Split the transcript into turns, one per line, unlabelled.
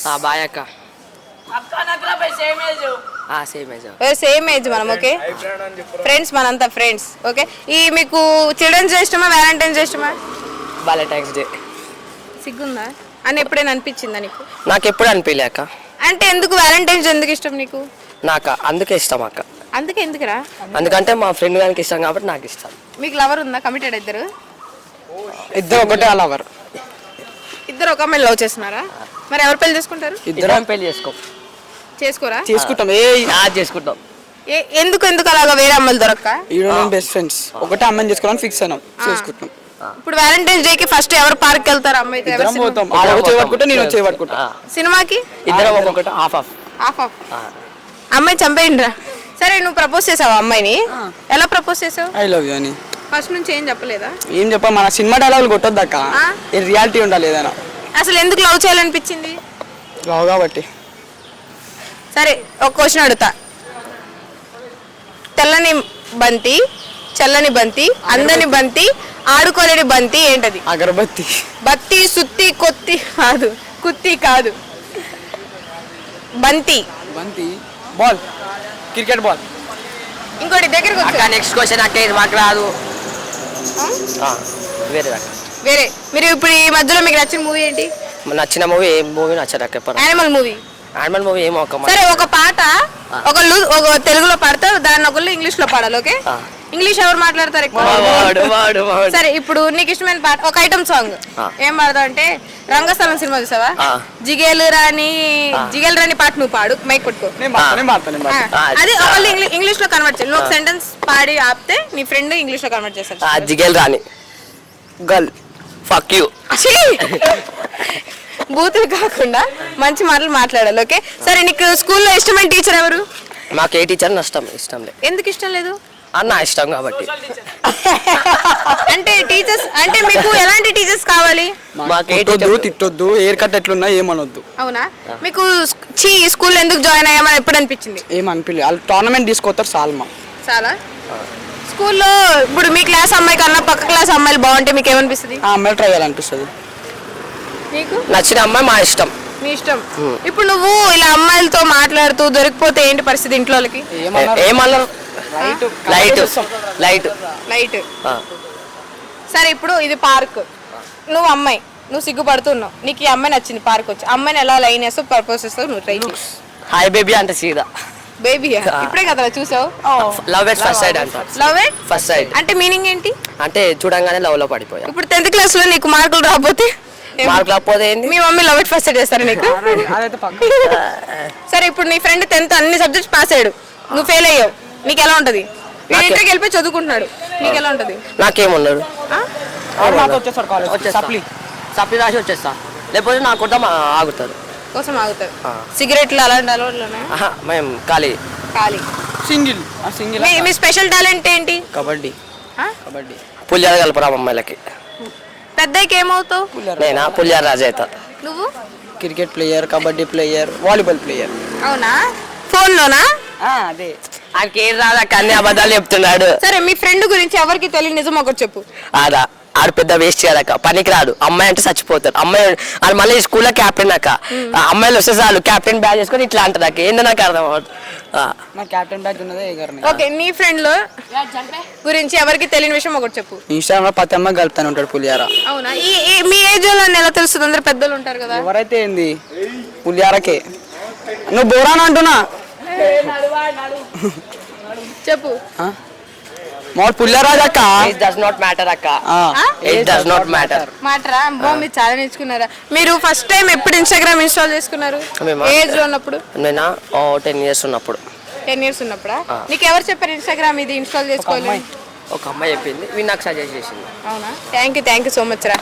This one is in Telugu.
బాయ్ అక్క.
సేమ్ ఏజ్ మనం. ఓకే ఫ్రెండ్స్, మనంతా ఫ్రెండ్స్. ఓకే ఈ మీకు చిల్డ్రన్స్ డే ఇష్టమా వ్యాలంటైన్స్ డే ఇష్టమా?
Valentine's day.
సిగ్గుందా అని ఎప్పుడైనా అనిపించిందా నీకు?
నాకు ఎప్పుడు అనిపించలే అక్క.
అంటే ఎందుకు వ్యాలంటైన్స్ డే ఎందుకు ఇష్టం నీకు?
నాకు అందుకే ఇష్టం అక్క.
అందుకే ఎందుకురా?
ఎందుకంటే మా ఫ్రెండ్ గారికి ఇష్టం కాబట్టి నాకు ఇష్టం.
మీకు లవర్ ఉందా? కమిటెడ్ ఇద్దరు?
ఇద్దరు ఒకటే లవర్.
ఇద్దరు ఒక అమ్మాయిని లవ్ చేస్తున్నారా? మరి ఎవరు పెళ్లి చేసుకుంటారు?
ఇద్దరం పెళ్లి
చేసుకోరా?
చేసుకుంటాం. చేసుకుంటాం.
ఎందుకు అలాగా వేరే అమ్మాయిలు దొరక్క?
బెస్ట్ ఫ్రెండ్స్ ఒకటే అమ్మాయిని చేసుకోవాలని ఫిక్స్ అయినాం, చేసుకుంటాం.
ఇప్పుడు వ్యాలంటైన్స్ డే కి ఫస్ట్ ఎవరు పార్క్ వెళ్తారు? అమ్మాయి సినిమాకి
ఇద్దరం ఒక్కొక్కటి హాఫ్
అమ్మాయి చంపేయండిరా. సరే నువ్వు ప్రపోజ్ చేసావు అమ్మాయిని, ఎలా ప్రపోజ్ చేసావు?
ఐ లవ్ యూ అని.
ఫస్ట్ నుంచి ఏం చెప్పలేదా?
ఏం చెప్పా, మన సినిమా డైలాగులు కొట్టొద్దక్క, రియాలిటీ ఉండాలి ఏదైనా.
అసలు ఎందుకు లవ్ చేయాలనిపించింది?
లవ్ కాబట్టి.
సరే ఒక క్వశ్చన్ అడుగుతా. తెల్లని బంతి, చల్లని బంతి, అందని బంతి, ఆడుకోలేని బంతి ఏంటది?
అగరబత్తి.
బత్తి, సుత్తి, కొత్తి కాదు, కుత్తి కాదు, బంతి.
బంతి బాల్, క్రికెట్ బాల్.
ఇంకోటి దగ్గరకు
అక్క. నెక్స్ట్ క్వశ్చన్ అక్క, ఇది మాకు రాదు.
వేరే. మీరు ఇప్పుడు ఈ మధ్యలో మీకు నచ్చిన మూవీ ఏంటి?
నచ్చిన మూవీ ఏం మూవీ నచ్చదు అక్క.
Animal movie.
యానిమల్ మూవీ ఏమో ఒక.
సరే ఒక పాట ఒకళ్ళు ఒక తెలుగులో పాడతారు, దాన్ని ఒకళ్ళు ఇంగ్లీష్ లో పాడాలి. ఓకే ఇంగ్లీష్ ఎవరు మాట్లాడతారు ఎక్కువ? సరే ఇప్పుడు నీకు ఇష్టమైన పాట ఒక ఐటమ్ సాంగ్ ఏం పాడతావు అంటే, రంగస్థలం సినిమా చూసావా? జిగేలు రాని పాట నువ్వు పాడు, మైక్ పట్టుకో. అది ఒకళ్ళు ఇంగ్లీష్ లో కన్వర్ట్ చేయాలి. నువ్వు ఒక సెంటెన్స్ పాడి ఆపితే నీ ఫ్రెండ్ ఇంగ్లీష్ లో కన్వర్ట్ చేస్తారు.
జిగేల్ రాని గర్ల్ ఫక్ యూ.
బూతులు కాకుండా మంచి మాటలు మాట్లాడాలి. ఓకే సరే నీకు స్కూల్లో ఇష్టమైన టీచర్ ఎవరు?
మాకు ఏ టీచర్ ఇష్టం లేదు.
ఎందుకు ఇష్టం లేదు?
అన్న ఇష్టం కాబట్టి.
అంటే టీచర్స్ అంటే మీకు ఎలాంటి టీచర్స్ కావాలి?
తిట్టొద్దు, ఎయిర్ కట్ ఎట్లున్నా ఏమనొద్దు.
అవునా? మీకు స్కూల్ ఎందుకు జాయిన్ అయ్యామని ఎప్పుడు అనిపించింది?
ఏమనిపించలేదు, వాళ్ళు టోర్నమెంట్ తీసుకొస్తారు
చాలా. స్కూల్లో ఇప్పుడు మీ క్లాస్ అమ్మాయి కన్నా పక్క క్లాస్ అమ్మాయిలు బాగుంటే మీకు ఏమనిపిస్తుంది?
ఆ అమ్మాయిలు ట్రై చేయాలనిపిస్తుంది.
నీకు
నచ్చిన అమ్మాయి మా ఇష్టం.
మీ ఇష్టం. ఇప్పుడు నువ్వు ఇలా అమ్మాయిలతో మాట్లాడుతూ దొరికిపోతే ఏంటి పరిస్థితి ఇంట్లో వాళ్ళకి?
ఏమన్నారు? లైట్.
సరే ఇప్పుడు ఇది పార్క్, నువ్వు అమ్మాయి, నువ్వు సిగ్గుపడుతున్నావు, నీకు ఈ అమ్మాయి నచ్చింది, పార్క్ వచ్చి అమ్మాయిని ఎలా లైన్ వేస్తావు, ప్రపోజ్ చేస్తావు, నువ్వు ట్రై చేయి.
హాయ్ బేబీ అంటే సీదా
బేబీ. ఇప్పుడే కదా చూసావు?
లవ్ ఎట్ ఫస్ట్ సైడ్ అంట.
లవ్ ఎట్
ఫస్ట్ సైడ్
అంటే మీనింగ్ ఏంటి?
అంటే చూడంగానే లవ్ లో పడిపోయా.
ఇప్పుడు 10th క్లాస్ లో నీకు మార్కులు రాకపోతే మీ mummy love at first sight చేస్తారా నీకు? సరే ఇప్పుడు నీ ఫ్రెండ్ 10th అన్ని సబ్జెక్ట్స్ పాస్ అయ్యాడు, నువ్వు ఫెయిల్ అయ్యావు, నీకు ఎలా ఉంటది? నేను ఇంటర్కి వెళ్ళిపోయి చదువుకుంటున్నాడు, నీకు ఎలా ఉంటది?
నాకేమున్నాడు, సప్లీ రాసి వచ్చేస్తా, లేకపోతే నా కోసం ఆగుతారు.
సిగరెట్లు అలాంటి అలవాట్లు
మేము ఖాళీ
సింగిల్.
మీ స్పెషల్ టాలెంట్ ఏంటి?
కబడ్డీ. పులిహార కలపరా అమ్మాయిలకి.
పెద్దకి ఏమవుతావు?
నేనా పులిహార రాజు అవుతా.
నువ్వు?
Cricket player, kabaddi player, volleyball player.
అవునా? ఫోన్ లోనా?
అదే
ఆడికేం రాదక్క, అన్ని అబద్ధాలు చెప్తున్నాడు.
సరే మీ ఫ్రెండ్ గురించి ఎవరికి తెలియదు, నిజం ఒకటి చెప్పు.
ఆడు పెద్ద వేస్ట్ చేయదక్క, పనికి రాడు. అమ్మాయి అంటే చచ్చిపోతాడు. అమ్మాయి ఆడు మళ్ళీ స్కూల్లో క్యాప్టెన్ అక్క. అమ్మాయిలు వస్తే చాలు క్యాప్టెన్ బ్యాగ్ చేసుకొని ఇట్లా అంటది అక్క. ఏందో నాకు అర్థం అవుతుంది.
ఓకే నీ ఫ్రెండ్ లో గురించి ఎవరికి తెలియని విషయం ఒకటి చెప్పు.
ఇన్స్టాగ్రామ్ లో ప్రతి అమ్మాయి కలుపుతాను ఉంటాడు పులిహార.
అవునా? మీ ఏజ్ లో ఎలా తెలుస్తుంది? అందరు పెద్దలు ఉంటారు కదా.
ఎవరైతే ఏంది పులిహారకే. నువ్వు బోరాన్ అంటున్నా
చెప్పు.
మోర్ పులిహారాజ్ అక్క.
It does not matter అక్క. It does not matter.
మాటరా? మీరు చాలా నేర్చుకున్నారా? మీరు ఫస్ట్ టైం ఎప్పుడు ఇన్స్టాగ్రామ్ ఇన్స్టాల్ చేసుకున్నారు? ఏజ్ లో ఉన్నప్పుడు?
నేనా 10 years ఉన్నప్పుడు.
10 years ఉన్నప్పుడా? నీకు ఎవరు చెప్పారు ఇన్స్టాగ్రామ్ ఇది ఇన్స్టాల్ చేసుకోవాలి?
ఒక అమ్మాయి చెప్పింది, నాకు సజెస్ట్ చేసింది.
అవునా? థ్యాంక్ యూ సో మచ్ రా.